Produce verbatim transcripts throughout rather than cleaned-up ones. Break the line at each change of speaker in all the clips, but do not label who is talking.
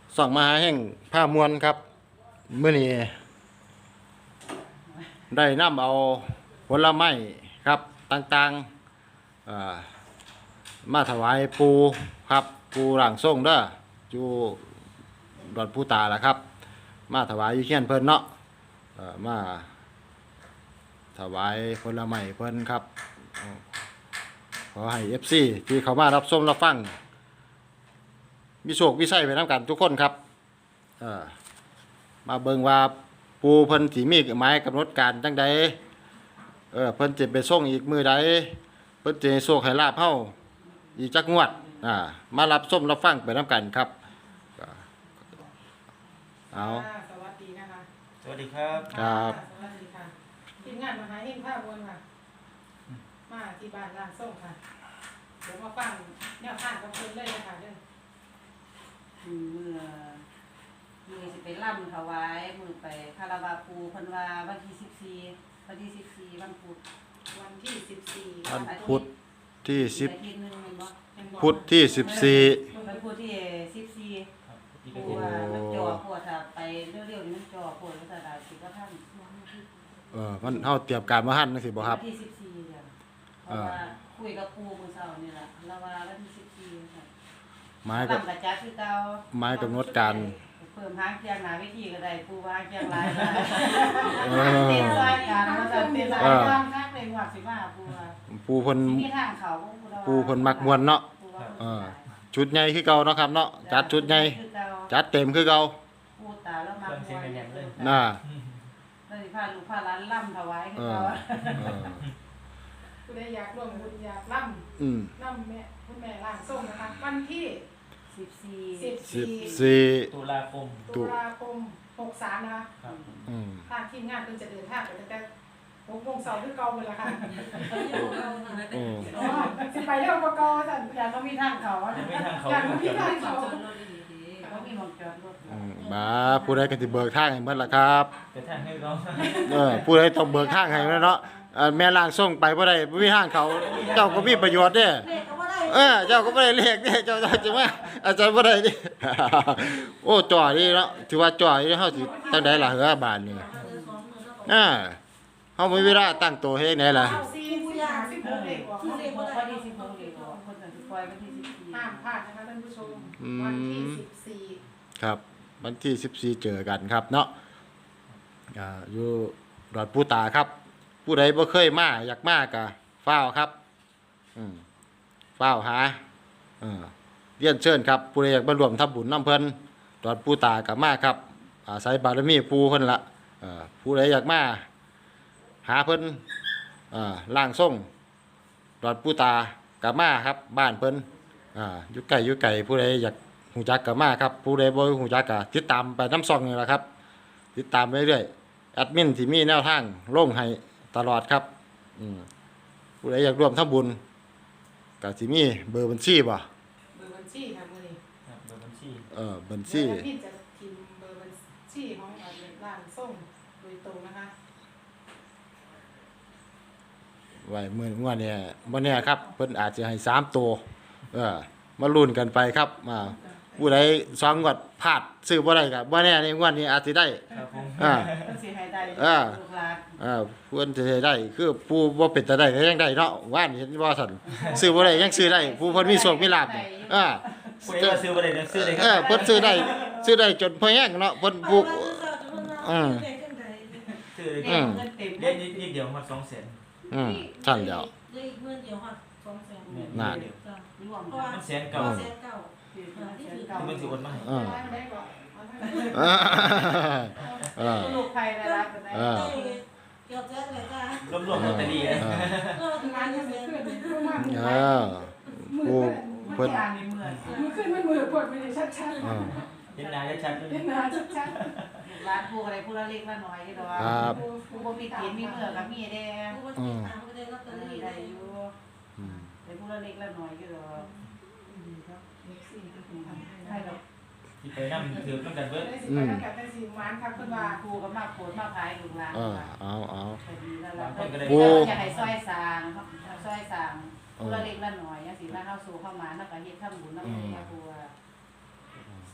ส่องมาหาแห่งผ้ามวลครับเมื่อนี้ได้นำเอาผลไม้ครับต่างๆมาถวายปูครับปูหลังส่งเด้ออยู่ดอนปูตาแหละครับมาถวายอยู่เขียนเพิ่นเนาะมาถวายผลไม้เพิ่นครับขอให้ เอฟ ซี ที่เขามารับชมรับฟังมีโชคมีชัยไปนำกันทุกคนครับเออมาเบิ่งว่าปูเพิ่นสิมีหมายกำหนดการจังใดเออเพิ่นจะไปส่งอีกมื้อใดเพิ่นจะให้โชคให้ลาภเฮาอีกจักงวดอ่ามารับชมรับฟังไปนำกันครับเอา
สวัสดีนะคะ
สวัสดีครับ
ครับ
สวัสดีค่ะทีมงานมหาเฮงภาพวนค่ะมาที่บ้านร้านส้มค่ะเดี๋ยวมาฟังแนวทางกับเพิ่นเลยนะคะเด้อ
เมื่อมือสิไปล่ำถวายมือไปคาราวาปูเพันวาวันที่สิบสี่วันที่สิบสี่วันพุธ
วันที่สิบสี่
วันพุธที่สิบ
อาทิตย์หนึงแม่นบ่
พุธที่สิบสี่
วันพุธที่สิบสี่
ครับอีก
ปู
เป็น
ว่ามันจ่อปวดถ้าไปเร็วๆนี่มันจ่อปวดก็จะได้สิว่าท่าน
เออมันเฮาเตรียมการมาหั่นจังซี่บ่ครับ
วันที่สิบสี่เดือนเพราะว่าคุยกับปูมื้อเช้านี่ล่ะแล้วว่าวันที่สิบสี่ค่ะ
หมายกับ
ล่ำกระจัดคือเก่า
หมายกำหนดการ
เพิ่มหางเคียงหน้าเวทีก็ได้ปูว่าเคียงหลายได้
เออ
เต้นรายการมาจะเต้นราย
เออ
การคักเลยว่าสิว่าปูว่า
ปูเพิ่น
มีทางเขา
ปูเพิ่นมักม่วนเนาะ เออ ชุดใหญ่คือเก่าเนาะครับเนาะจัดชุดใหญ่จัดเต็มคือเก่า
ปูตาแล้วมัก
เครื่องเสียงแน่นๆเลย
น่า
แล้วสิพาลูกพาหลานล่ำถวายคือ
เออ
เก่า
เออ
ผู้ใดอยากร่วมบุญอยากร่ำ
อืม
ร่ำแม่คุณแม่ร้านส้มนะคะวันที่
สิบสี่
สิบ
สิบ
สี่
สี่
ตุลาคม
ตุลาคมหกสามนะคะ
ครับ
อืม
ทางทีมงานเพิ่นจะเดินทางไปตั้งแต่หกโมงเช้าคือเก่าเลยล่ะค่ะ
อืม
อ๋อสิไปเร็วกว่าเก่าสั่น
อยากก็มีทางเขา
ยังไม่ทางเขา
อยาก
ไม่
มี
จอด
ทางเขา
เขามีหมองจอดรถ
อืมมาผู้ใดก็สิเบิกทางให้หมดล่ะครับ
แต่ทางให้เรา
เออผู้ใดต้องเบิกทางให้แม่นเนาะเอ่อแม่ล่างส่งไปบ่ได้บ่มีทางเขาเจ้าก็มีประโยชน์เด้เออเจ้าก็บ่ได้เลขเด้เจ้าเจ้าจะว่าอาจารย์บ่ได้ดิ โอ้จ่อดีเนาะถือว่าจ่อดีเฮาสิจังได๋ล่ะเฮ้อบาดนี้อ่าเฮามีเวลาตั้งตัวเฮ็ดไหนล่ะ
เอาสี่สิบห้าสิบหกเด็กออก
คือ
มา
เด็กวันที่สิบหกเด็กคนนั้นสิปล่อยวันที่สิบสี่
ห้ามพลาดนะคะท่านผู้ชมวันที่สิบสี่
ครับวันที่สิบสี่เจอกันครับเนาะอ่าอยู่ดอนปูตาครับ ผู้ใดบ่เคยมาอยากมาก็ฟ้าวครับอืมฟ้าวหาเออเรียนเชิญครับผู้ใดอยากมาร่วมทำบุญนำเพิ่นดอนปูตาก็มาครับอาศัยบารมีปู่เพิ่นละเออผู้ใดอยากมาหาเพิ่นเอ่อล่างทรงดอนปูตาก็มาครับบ้านเพิ่นอ่าอยู่ใกล้อยู่ไกลผู้ใดอยากหูจักก็มาครับผู้ใดบ่หูจักก็ติดตามไปน้ำซองนี่แหละครับ ติดตามไปเรื่อยแอดมินที่มีแนวทางลงให้ตลอดครับอืมผู้ใดอยากร่วมทำบุญก็สิมีเบอร์บัญชีบ่
เบอร์บัญชีค่ะมื้อนี้
ครับเบอร์บัญชี
เออบัญชี
แล้วพี่จะพิมพ์เบอร์บัญชีของร้านส้มโดยตรงนะคะ
ไว้มื้องวดเนี่ยบ่แน่ครับเพิ่นอาจจะให้สามตัวเออมาลุ้นกันไปครับอ่าผู้ใดสองงวดพลาดซื้อบ่ได้ก็บ่แน่ในงวดนี้อาจสิได้
ครับผม
อ่า
มันสิให้ได้
อ่า
ลูกหลาน
อ่าเพิ่นสิได้คือผู้บ่เป็นตาได้ก็ยังได้เนาะว่านเห็นบ่ซั่นซื้อบ่ได้ยังซื้อได้ผู้เพิ่นมีโชคมีลาภนี่อ่า
ผู้ใดว่าซื้อบ่ได้เดี๋ยวซื้อเลยค
เอ
รั
อบ เพิ่นซื้อได้ซื้อได้จนพอแห้งเนาะเพิ่นปลูกอืม
ซื้อเลย
เด็กเงินเต็ม
เล่นนิดนิดเดียวมาสองแสน
อืมสั่นแล้ว
ได้เงินเดียวค่ะสองแสน
น่า
จ้ะ
รวม
เพราะว่า
มันแสนเก่า
แสนเก้า
คือ
ที่
เงิน
ถือ
เก่า
ที่มันสิโอนมาให้
อ่า
ได้ไหมบอกเอาเท่าไหร่
อ่าอ่า
ลูกใครได้รับกันได้
อ่า
ได้เกือบแสนเลยจ้ะ
รวมรวมลอตเตอรี่นะ
ก็ถึง
งาน
ล้าน
ยัง
เปอร์
ไม่
เซ็นต์
ขึ้นประมาณ
เออ
มือ
เพิ่น
การในเมือง
มือขึ้นมันมือปวดไม่ได้ชัด
อ่า
เห็นหน้าชัดๆเลย
ๆเล่นหนาชัด
ร้านผู้อะไรผู้ละเล็กละน้อยก็ดอก
ครับ
ผู้บ่มีเกียรติมีเมื่อกับมีแดง
ผู้บริหารก็ได้ลอตเตอ
ได้
รี่
ได้
ได้
อ
อยู่
ยู่
อืม
แต่ผู้ละเล็กละน้อยก็ดอกให้ดอก
ที่ไปนั่งถือต้องกันเบิด
ได้สิไปแล้วกับได้สิหวานครับคุณว่า
ครูก็มาโผล่มาขายลูกหลาน
เออเอาเอา
ก็ดีแล้วล่ะเพิ่น
โอ้
อยากให้ซอยสร้างซอยสร้างผู้ละเล็กละน้อยจังซี่มาเฮาสู่เข้ามาแล้วก็เฮ็ดทำบุญนำแม่ครูส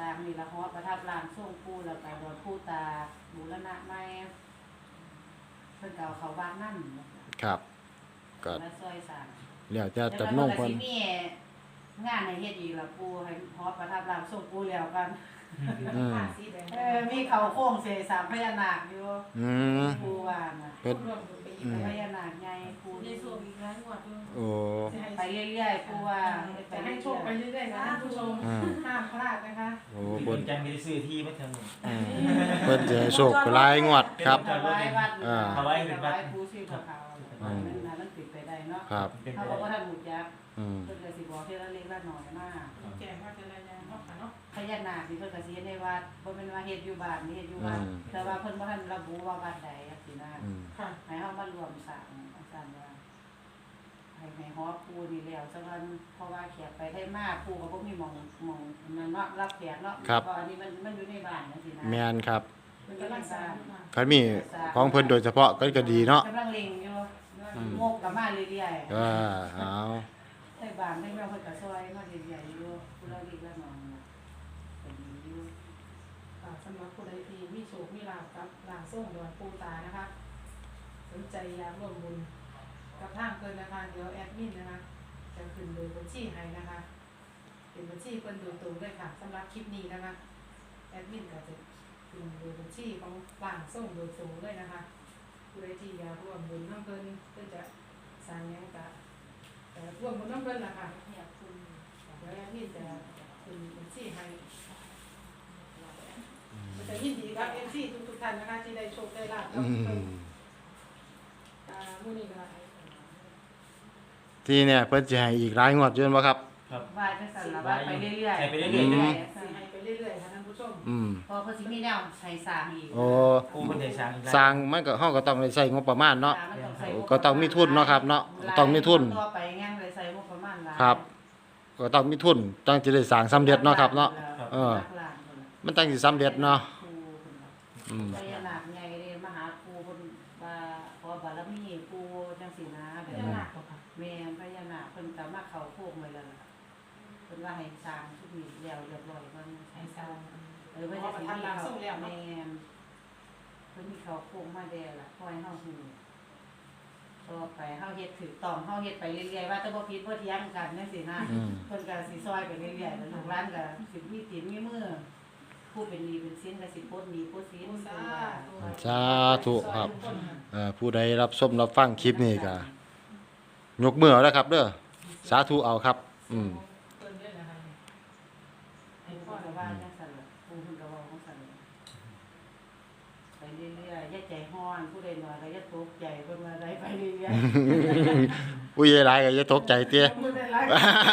ร้างนี่ละฮอดประทับร่างทรงปู่แล้วก็บวชปู่ตาบูรณะใหม่เพิ่นก็เอาเขาบ้านนั่น
ครับก็
มาซอยสร้าง
แล้วจะ
แล้ว
จำนง
เพิ่
เพิ่
น
น
ก็สิมีงานให้เฮ็ดอีกล่ะปู่ให้ฮอดประทับร่างทรงปู่แล้วกัน
อืม
ผ้าสีแดง
เออมีเขาโค้งเสสามพญานาคอยู่
อืม
ปู่ว่าน่ะ
เพิ่น
ร่วมบุญไปอีก
อืม
พ
ไป
ญานาคใหญ่ปู่
ในส่วนอีกหลายงวดด้วย
โอ้
ไปเรื่อยๆปู่ว่า
จะให้โชคไปเรื่อยๆนะท่านผู้ชม
อืม
ห้ามพลาดนะคะ
โอ้
โอ้
เพิ่น
จังมีซื้อที่มาทางนี้
อืมเพิ่นจะให้โชคหลายงวดครับ
ถวายวัด
อ่า
ถวายถวายปู่ชีพเขา
อืม
นั่นน่ะมันติดไปได้เนาะ
ครับ
เป็นไป
เขาบอกว่า
ได้
ท่านหมุจัก
อืม
เพิ่นก็สิบอกทีละเล็กละน้อยมาก
แจ้งว่าจะรายงานเนาะค่ะเนาะ
พญานาคนี่เพิ่นก็สิเฮ็ดในวัดบ่แม่นว่าเฮ็ดอยู่บ้านนี่เฮ็ดอยู่วัด
อืม
แต่ว่าเพิ่นบ่ทันระบุว่าวัดใดจังซี่นะ
อืม
ค่ะ
ให้เฮามารวมสร้างอาจารย์ว่าให้ให้ฮอปูนี่แล้วซะกันเพราะว่าแขกไปได้มากปูก็บ่มีหม่องหม่องนั่นเนาะรับแขกเนาะ
ครับ
เพราะอันนี้มันมันอยู่ในบ้านจังซี่นะ
แม่นครับ
เพิ่น
กำ
กำ
ลั
ลั
ง
ง
ส
ส
ร้า
ร้าง ง
ค่ะ
คันมีของเพิ่นโดยเฉพาะก็ก็ดีเนาะ
กำลังเล็งอยู่
อืม
งกก็มาเรื่อยๆ
อ่าเอา
ในบ้านในเมืองเพิ่นก็ซอยมาเรื่อยๆอยู่ผู้ละเล็กละน้อยน่ะก็ดีอยู่
ค่ะสำหรับผู้ใดที่มีโชคมีลาภกับร่างทรงดอนปูตานะคะ สนใจอยากร่วมบุญกับทางเกินนะคะเดี๋ยวแอดมินนะคะจะขึ้นเบอร์บัญชีให้นะคะ เป็นบัญชีเพิ่นโดยตรงด้วยค่ะสำหรับคลิปนี้นะคะแอดมินก็จะขึ้นเบอร์บัญชีของร่างทรงโดยตรงเลยนะคะผู้ใดที่อยากร่วมบุญน้ำเพิ่นเพิ่นจะสร้างหยังก็แต่ร่วมบุญน้ำเพิ่นล่ะค่ะ
เนี่ยคุณ
เดี๋ยวแอดมินจะขึ้นบัญชีให้มันจะยินดีกับเอฟซีทุกๆท่านนะคะที่ได้โชคได้ลาภกั
อื
บเพิ่น
ม
อ่ามื้อนี้ก็
ที่เนี่ยเพิ่นสิให้อีกหลายงวดอยู่แม่นบ่ครับ
ครับ
ว่าจังซั่นล่ะว่าไปเรื่อยๆ
ให้ไปเรื่อยๆ
อืม
สิให้ไปเรื่อยๆค่ะท่านผู้ชม
อืม
พอเพิ่นสิมีแนวใช้สร้างอีก
โอ้
ปูคนไทยสร้างอีกแล้ว
สร้างมันก็เฮาก็ต้องได้ใช้งบประมาณเนาะ
มันต้องใช้
โอ้ก็ต้องมีทุนเนาะครับเนาะต้องมีทุน
ต่อไปงานเลยใส่งบประมาณหลาย
ครับ ก็ต้องมีทุนจังสิได้สร้างสำเร็จเนาะครับเนาะ เออ มันจังสิสำเร็จเนาะอืม
พญานาคใหญ่เด้มหาครูเพิ่นว่าขอบารมีครูจังซี่นะแบ
พ
บ
ญา
นั้น
นาคบ่ค่ะ
แม่นพญานาคเพิ่นก็มาเข้าโคกไว้แล้วล่ะเพิ่นว่าให้สร้างทุกนี้แล้วเรียบร้อยเพิ่น
ให้
ให้
ส
ส
ร้า
ร้าง ง เออ
เพ
เพิ่น
ราะ
จะ
ว่า
สิ
ท่าน
มี
ลาง
เขา
ส่งแล้วเนาะ
แม่นเพิ่นมีเขาโคกมาแด่ล่ะคอยเฮาฮู้ต่อไปเฮาเฮ็ดถูกต้องเฮาเฮ็ดไปเรื่อยๆว่าแต่บ่ผิดบ่เถียงกันจังซี่นะ
อืม
เพิ่นก็สิซอยไปเรื่อยๆแล้วลูกหลานก็สิมีตีนมีมือผู้เป็นหนี้เป็นสินก็สิปลดหนี้ปลดสิน
สาธุ
สาธุครับ เอ่อผู้ใดรับชมรับฟังคลิปนี้ก็ยกมือเอาแล้วครับเด้อสาธุเอาครับ อืม
เพิ่นด้วยนะคะ
ให้พ่อก็ว่าจังซั่นล่ะผู้เพิ่นก็เว้าจังซั่นล่ะไปเรื่อยๆอย่าใจร้อนผู้ใดน้อยก็อย่าตกใจเพิ่นว่าได้ไปเรื่อย
ผู้ใหญ่หลายก็อย่าตกใจเตี้ย
มือได้หลาย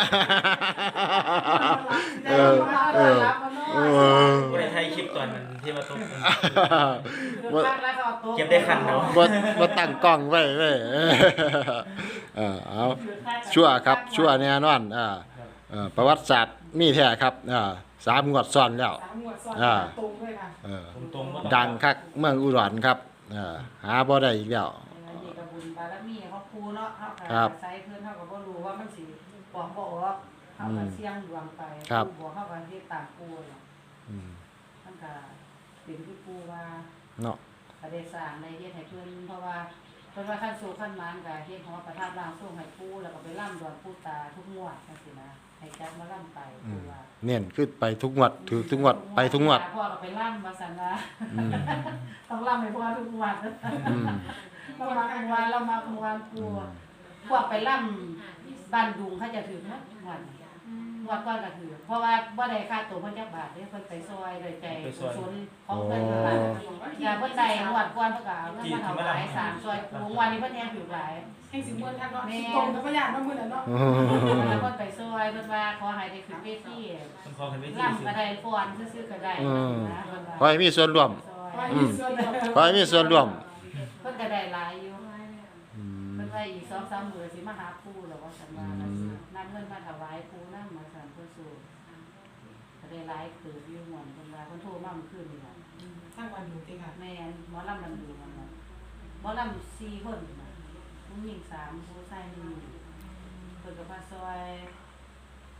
เออเออ เออ
ผู้ใดไทยคลิปก่อนมันที่มาตก
ๆคือคักแล้วก็อาต
เก็บได้คันเนาะ
บ่บ่ตั้งกล้องไว้เว้ยเออเอาชั่วครับชั่วแน่นอนอ่าเอ่อประวัติศาสตร์มีแท้ครับอ่าสามงวดซ้อนแล้ว
สามงวดซ้อน
อ่า
ตรงด้วยค่ะ
เออ
ตรงๆบ่ต้อง
ดังคักเมืองอุดรครับเอ่าหาบ่ได้อีกแล้ว
อันนี้ก็บุญบารมีของครูเนาะเฮาก็
ครับ
อาศัยเพิ่นเฮาก็บ่รู้ว่ามันสิปอกบ่ออกเฮาก็เสี่ยงดวงไป
ครับ
ครูบอกเฮาก็เฮ็ดตามครูเนาะ
อืม
มันก็เป็นที่ครูว่า
เนาะ
ก็ได้สร้างได้เฮ็ดให้เพิ่นเพราะว่าเพิ่นว่าขั้นสู่ขั้นหมานก็เฮ็ดหอประทับร่างทรงให้ปู่แล้วก็ไปร่ำดวนปู่ตาทุกงวดจังซี่นะให้จัดมาร่ำไป
อื
ปู่
ม
ว่า
เน้นคือไปทุกงวดถือทุกงวดไปทุกงวด
พ่อก็ไปร่ำว่าซั่นว่า
อืม
ต้องร่ำให้พ่อทุกงวด
อืม
เรามาทุกวันเรามาทุกวันปู่พวกไปร่ำบ้านดุงเขาจะถือหมดงวดงวดก่อนก็ถือเพราะว่าบ่ได้ค่าตัวเพิ่นจักบาทเด้เพิ่นไปซอยโดยใจกุศลของเพิ่นนั่นล่ะ อย่าเพิ่นได้งวดก่อนเพิ่นก็เอาเงินมาถวายสามซอยปูงวันนี้เพิ่นแฮงถือหลาย
ให้สิมวนทันเนาะตรงกับพยานมามื้อนั้นเนาะ
แล้วเพิ่นไปซอยเพิ่นว่าขอให้ได้ขึ้นเวที
ต้องขอกันไว้ที่
ร่ำก็ได้ฟ้อนซื่อๆก็ได้
อืม
นะเพิ่นว่า
ขอให้มีส่วนร่วม
ซอย
ไว้มีส่วนเดียว
ขอให้มีส่วนร่วม
เพิ่นก็ได้หลายอยู่
อืม
เพิ่นว่าอีกสองสามมื้อสิมาหาปู่แล้วว่าซั่นว่า
อืม
นำเงินมาถวายปู่นำมาสั่นเพิ่นสู่ก็ได้หลายเติบอยู่ม่วนเพิ่นว่าเพิ่นโทรมาเมื่อคืนนี่ล่ะ
ทั้งวันอยู่ติค่ะ
แม่นหมอลำมันดูมันน่ะหมอลำสี่คนน่ะผู้หญิงสามผู้ชายหนึ่งเพิ่นก็มาซอย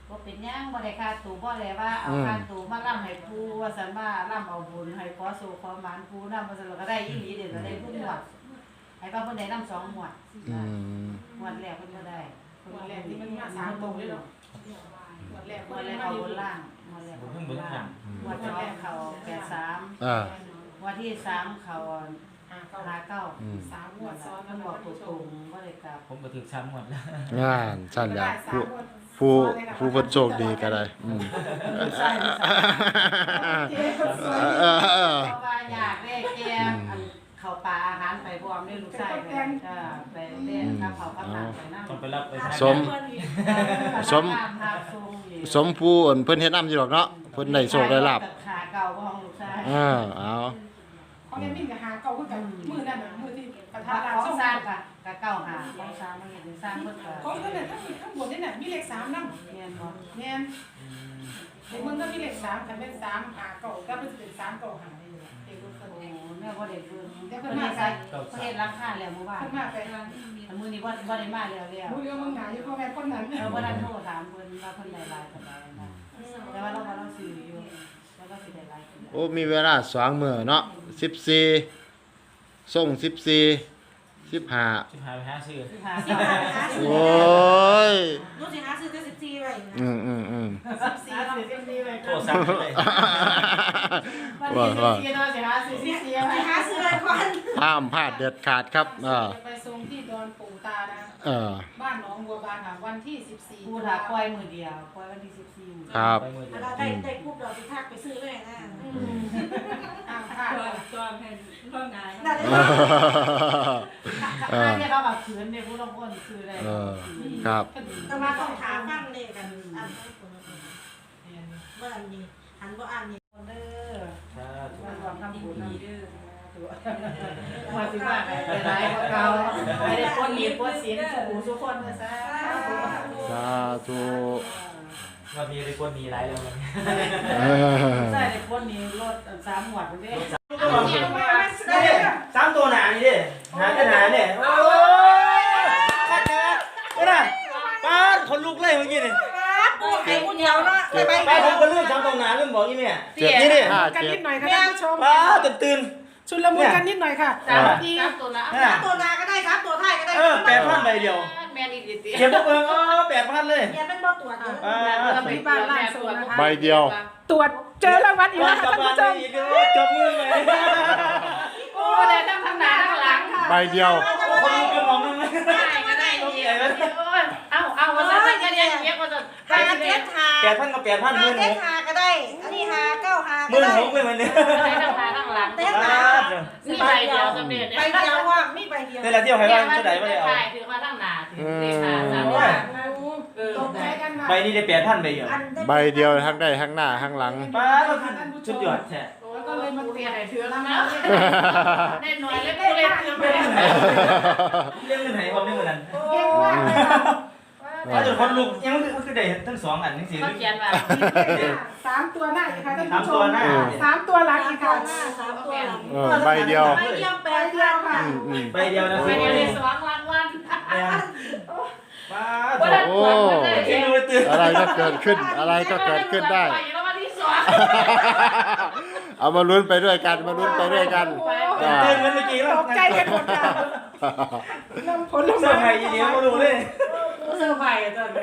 บ่เป็นหยังบ่ได้ค่าตัวบ่ได้ว่าเอาค่าตัวมาล่ำให้ผู้ว่าซั่นว่าล่ำเอาบุญให้ขอสู่ขอหมานผู้นำว่าซั่นก็ได้อีหลีเด้ก็ได้ทุกงวดให้ว่าเพิ่นได้นำสองงวด
อืม
งวดแรกเพิ่นบ่ได้
วันแรกที่มันมาสามตรงเลยเนาะวันแรก
งวดแรกเขาบนล่างงวดแรก
ผมเพิ่งเบิ่งหนัง
งวดแรกเขาแปดสาม
อ่า
งวดที่สามเขา
หาเก้า
ห้าเก้า
อืม
สามงวดซ้อน
มันบอกตัวตรงบ่ได้กลับ
ผมก็ถึกซ้ำหมดแล้ว
งานสั่นแหล้ว
สาม
ผู้
งวด
ผู้ผู้เพิ่นโชคดีก็ได้อืม
ใช่ใช่
เออเออ
เพราะว่าอยากได้แกอันเข้าปลาอาหารไปพร้อมด้วยลูกชายไปจ้าไปเล่นกับเขากับน้ำไปน้ำ
ต้องไปรับไปทาง
สม สม สมผู้อั่นเพิ่นเฮ็ดนำอยู่ดอกเนาะเพิ่นได้โชคได้ลาบ
ขาเก่าของลูกชาย
เออเอา
เขาเรียนมิ่งกับหาเก้าคือกันมือนั่นน่ะมือที่ประ
ถ้า
ธาน
ข
ร้าน
อง
ส้ม
สร้างกะกะเก่าหาของสร้างมันเห็นสร้างเพิ่นก็
ของเพิ่นน่ะทั้งทั้งบนนี่น่ะมีเลขสามนำ
เรียนบ่
แม่นในเมืองก็มีเลขสามคันเป็นสามหาเก้าก็เป็นสิเป็นสามเก้าหาได้อยู่เอกเพิ่น
โอ้
เอง
แม่บ่ได้เบิ่งเพิ่นเฮ็ดใส่เพิ่นเฮ็ดราคาแล้วเมื่อวาน
เพิ่นมาไป
อันมื้อนี้บ่บ่ได้มาแล้วแล้ว
ผู้เรียกมึงหนาอยู่พ่อแม่คนนั้น
เราบ่ได้โทรถามเพิ่นว่าเพิ่นได้หลายปานใดนะแต่ว่าเราบ่ต้องซื้ออยู่แล้วก็สิได้หลายปานใด
โอ้มีเวลาสองมื้อเนาะสิบสี่ส่งสิบสี่ สิบห้า
สิพาไปหาซื้อ
หา
สิบห้าหาซื้
โอ้ย
ลูกสิหาซื้อแต่สิบสี่ไว้นะ
อืมอืมอืม
สิบสี่เราเต็มที่เลย
โทรศัพท์เลย
วันนี้สิเนาะสิหาซื้อสิเสีย
ไปหาซื้อไว้ก่อน
ห้ามพลาดเด็ดขาดครับเออ
จะไปส่งที่ดอนปู่ตานะ
เออ
บ้านหนองบัวบานค่ะวันที่สิบสี่
กูถ้าปล่อยมื้อเดียวปล่อยวันที่สิบสี่
ครับ
ไปมือเดียว
เราได้ได้ปุ๊บเราไปทักไปซื้อเลยนะ
อ้าวค่ะ
ตัวแผ่นร่างกาย
นั่นเลย
เออ
เนี่ยเราแบบขืนเนี่ยผู้ต้องคนคืออะไร
เออครับ
แต่มาต้องถามฟังเลยกันอันเมื่ออันนี้หันบ่อันนี้
เด้อ
สาธุ
มันความทำบุญนะมาสิว่าไปหลายกว่าเก่าไม่ได้พ้นหลีพ้นศีลสู่ทุกคนนะซะ
สาธุ
วันนี้ได้คนมีหลายแล้วมัน
เออ
ใช่ได้พ้นนี้รถสามหมวดเด้
สามตัวหนานี่ดิหนาก็หนาเนี่ยโอ้ยขัดนะก็ได้ป้าคนลุกเลยเมื่อกี้นี่
ปูไข่ผู้เดียวเนาะไปไป
ป้าผมก็เรื่องสามตัวหนาเรื่องบอกยี่แม่เจ็บนี่ดิ
ห้า
กัน
เจ็
นิ
ด
ดหน่อยค่ะท่านผู้ชม
ป้าตื่นตื่น
ชุนละมุนกันนิดหน่อยค่ะ
สาม
ที
สามตัวละ
น่ะ
ตัวนาก็ได้ครับตัวไทยก็ได้
เออแปดพันใบเดียว
แม่นี่ดี
เจ็บพวกเออแปดพันเลย
เนี่ยเป็นบ่ตัวเดียว
ป้า
ที่บ้านล่างสุดนะคะ
ใบเดียว
ตรวจเจอรางวัลอีก
ว่า
แล้ว
กลั
ค่ะ
บ
ท่าน
บ้าน
ผู้ชม
อีกแล้วจบมือเลย
โอ้ได้ทั้งทางหน้าทั้งหลัง
ใบเดียว
คนลุกกันมองนึงเลย
ได้ก็ได้ดีเอาเอาว่าซะมันก็เรียนเยอะกว่าจะ
หาเจ็ดหา
แปดพันกับแปดพันห
หา
มื่นห
เจ็ด
ก
หาก็ได้ อันนี้หาเก้าหา
ห
ก็
มื่น
ได้
หกเลยมันเนี่ย
ได้ทั้งหน้าทั้งหลัง
เต้น
ป้า
หา
มีใบเดียวสำเร็จ
ใบเดียวว่ามีใบเดียว
เวลาเที่ยวใครว่าจะได้ไม่ได้เอา
ถือมาทั้งหน้าถือเลขาสาม
โอ้
ว่าย เออ
ตกใจกันมา
ใบนี้ได้แปดพันใบเดียว
อันได้
ใบเดียวทั้งได้ทั้งหน้าทั้งหลัง
ป้าก็คือชุดยอดแท้
แล้วก็เลยมาเปลี่ยน
ถือแล้วนะแน่นอนแล้วกูเล่นถือไป
เรื่องเงินไหนความเรื่องเงินนั้น
เก่งมากเลยค่ะ
ถ้าจุดคนลุกยังมันคือได้ทั้งสองอันทั้งสี่
เขาเขียนว่า
สามตัวหน้าอีกค่ะท่าน
สาม
ผู้ช
ตัว
ม
หน้า
สามตัวหลังอีกค่ะ
สามตัวหลัง
เออใบเดียว
ใบเดียวแป
ใบ
ด
เดียวค่ะ
อืมอืม
ใบเดียวนะ
ไปเดียวในสว่างรางวัล
ป้า
ว่าได้ตรวจว่าได้
ที่รู้ตื่น
อะไรก็เกิดขึ้น อะไรก็เกิดขึ้นได้
แล้ววันที่สอง
เอามาลุ้นไปด้วยกัน มาลุ้นไปด้วยกันอ่า
ตื่นเหมือนเมื่อกี้
ต
แล้ว
กใจกันหมดค่ะนำผล
เสื้อ
ไม้
ไผ่ยีเดียวมาดูเลย
เสื้อใหม่ตอนนี้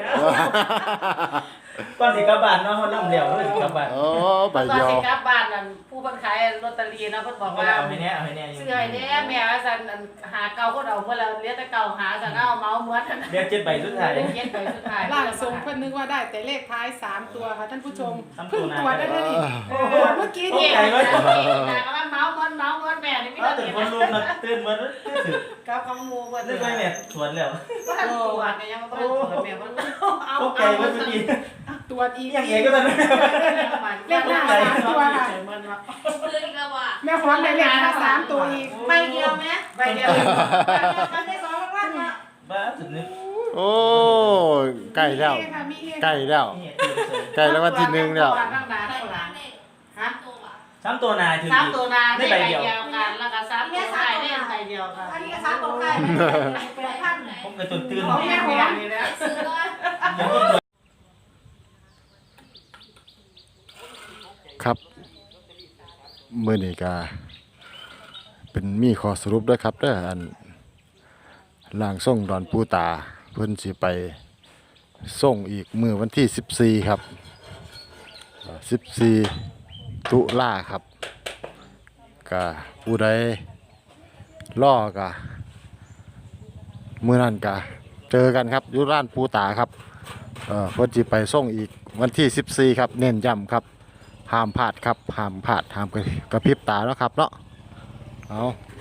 ก่อนสิกลับบ้านเนาะเขาล่ำเหลวเลยสิกลับบ้าน
โอ้ใบ
ตอน
เดียว
สิกลับบ้านนั่นผู้บันขายลอตเตอรี่นะเพิ่นบอก
เอา
ว่า
เอาให้แน่เอาให้แน่
เสื้อแน่แม่ว่าซั่นหาเก่าคนเอาเมื่อแล้วเหลือแต่เก่าหาซั่นเอาเมาเหมือนนั่น
เรียกเจ็ดใบสุดท้าย
เย็นไปสุดท้าย
ล่างทรงเพิ่นนึกว่าได้แต่เลขท้ายสามตัวค่ะท่านผู้ชม
สามตั
เพิ่
ว
ง
หน้า
ตรวจได้เลยนี่
เออ
ตรวจเมื่อกี้
โอ้
นี่
ไก่ไว้
แต่ก็ว่าเมาเหมือนเมาเหมือนแม่นี่มี
เอา
แต่
ตื่น
เห็น
คนลุกนะตื่นเหมือนตื่น
กับของหมู่เพิ่น
นึกไว้เนี่ยสวนแล้ว
ว่าตรวจก็ยังบ่ตรวจแม่ว่าเอา
โอ้ไก่ไว้เมื่อกี้
ตรวจอีก
ยังไงก็ตอนนั้น
เลขหน้าสามตัวค่ะ
ซื้ออีกแล้วว่ะ
แม่หอมได้เลขท้ายสามตัวอีก
ใบเดียวไหม
ใบเดียว
มันได้สองรางวัลมา
บ้าสุดนึก
โอ้ใกล้แล้ว
มีเฮค่ะมีเฮ
ใกล้แล้ว
นี่ตื่นเลย
ใกล้แล้ววันที่หนึ่งแล้ว
ข้างหน้าข้างหลังฮะ
ตัวว่ะ
สามตัวนายถือ
สาม
ดี
ตัวนาได้ใบเดียวกันแล้วก็สามตัวท้ายได้ใบเดียวกัน
อันนี้ก็สามตัวไทยแปดพัน
ผมกระตุนตื่น
ของแม่หอมนี่นะ
ซื้อเลย
ยังก็ตัว
ครับมื้อนี้ก็เป็นมีข้อสรุปด้วยครับเด้ออันร่างทรงดอนปูตาเพิ่นสิไปส่งอีกมื้อวันที่สิบสี่ครับเอ่อสิบสี่ตุลาครับก็ผู้ใดรอก็มื้อนั้นก็เจอกันครับอยู่ร้านปูตาครับเอ่อเพิ่นสิไปส่งอีกวันที่สิบสี่ครับเน้นย้ำครับห้ามพลาดครับห้ามพลาดห้ามกระพริบตาแล้วครับเนาะเอา